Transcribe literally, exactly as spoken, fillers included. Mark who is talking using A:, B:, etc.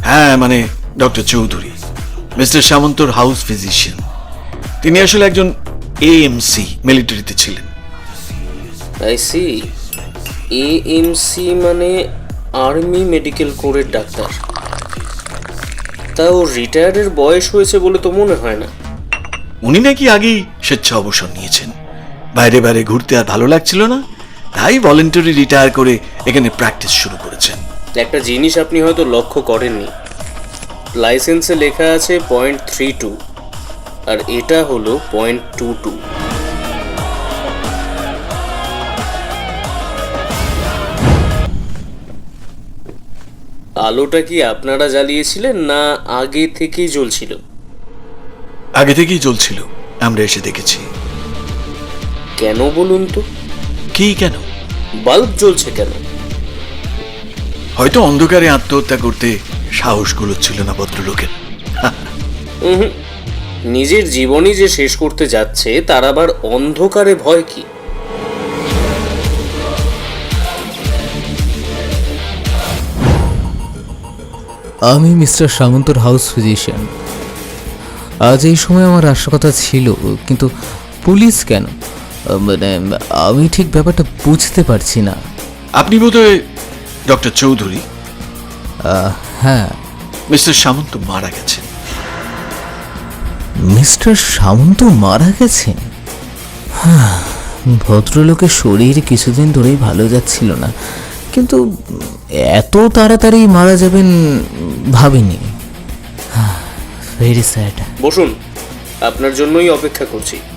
A: হ্যাঁ, মানে doctor Chowdhury, mister সামন্তর হাউস ফিজিশিয়ান। তিনি আসলে একজন এএমসি, মিলিটারিতে ছিলেন।
B: I see. এএমসি মানে আর্মি মেডিকেল কোরের ডাক্তার। তাও রিটায়ারের বয়স হয়েছে বলে তো মনে হয় না।
A: উনি নাকি আগেই স্বেচ্ছা অবসর নিয়েছেন। বাইরে বাইরে ঘুরতে আর ভালো লাগছিল না, তাই ভলেন্টারি রিটায়ার করে এখানে প্র্যাকটিস শুরু করেছেন।
B: একটা জিনিস আপনি হয়তো লক্ষ্য করেননি, লাইসেন্সে লেখা আছে পয়েন্ট থ্রি টু, আর এটা হলো পয়েন্ট টু টু। আলোটা কি আপনারা জ্বালিয়েছিলেন না আগে থেকেই জ্বলছিল?
A: আগে থেকেই জ্বলছিল, আমরা এসে দেখেছি।
B: কেন বলুন তো?
A: কি কেন?
B: বাল্ব জ্বলছে কেন?
A: হয়তো অন্ধকারে আত্মহত্যা করতে সাহসগুলো ছিল না ভদ্রলোকের।
B: হুম, নিজের জীবনই যে শেষ করতে যাচ্ছে তার আবার অন্ধকারে ভয় কি?
C: আমি মিস্টার সামন্তর হাউস ফিজিশিয়ান। আজ এই সময় আমার আসার কথা ছিল, কিন্তু পুলিশ কেন? মানে আমি ঠিক ব্যাপারটা বুঝতে পারছি না।
A: আপনি বোধহয় ডক্টর চৌধুরী?
C: হ্যাঁ।
A: মিস্টার সামন্ত মারা গেছেন।
C: মিস্টার সামন্ত মারা গেছেন? ভদ্রলোকের শরীর কিছুদিন ধরেই ভালো যাচ্ছিল না, কিন্তু এত তাড়াতাড়ি মারা যাবেন ভাবিনি। Very sad.
B: বসুন, আপনার জন্যই অপেক্ষা করছি।